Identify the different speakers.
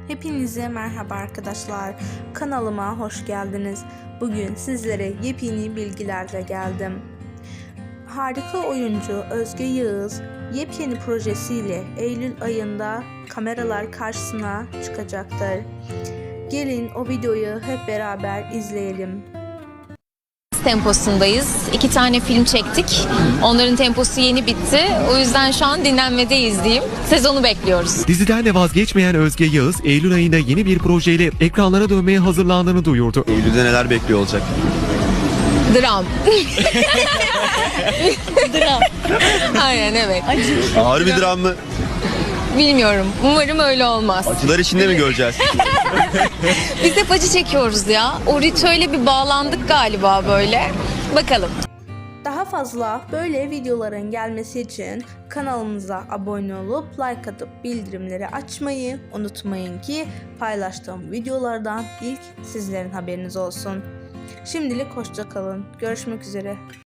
Speaker 1: Hepinize merhaba arkadaşlar. Kanalıma hoş geldiniz. Bugün sizlere yepyeni bilgilerle geldim. Harika oyuncu Özge Yağız yepyeni projesiyle Eylül ayında kameralar karşısına çıkacaktır. Gelin o videoyu hep beraber izleyelim.
Speaker 2: Temposundayız. 2 tane film çektik. Onların temposu yeni bitti. O yüzden şu an dinlenmedeyiz diyeyim. Sezonu bekliyoruz.
Speaker 3: Diziden de vazgeçmeyen Özge Yağız, Eylül ayında yeni bir projeyle ekranlara dönmeye hazırlandığını duyurdu.
Speaker 4: Eylül'de neler bekliyor olacak?
Speaker 2: Dram. Dram. Aynen, evet.
Speaker 4: Ağır bir dram mı?
Speaker 2: Bilmiyorum. Umarım öyle olmaz.
Speaker 4: Acılar içinde mi göreceğiz?
Speaker 2: Biz hep acı çekiyoruz ya. O ritüele bir bağlandık galiba böyle. Bakalım.
Speaker 1: Daha fazla böyle videoların gelmesi için kanalımıza abone olup like atıp bildirimleri açmayı unutmayın ki paylaştığım videolardan ilk sizlerin haberiniz olsun. Şimdilik hoşça kalın. Görüşmek üzere.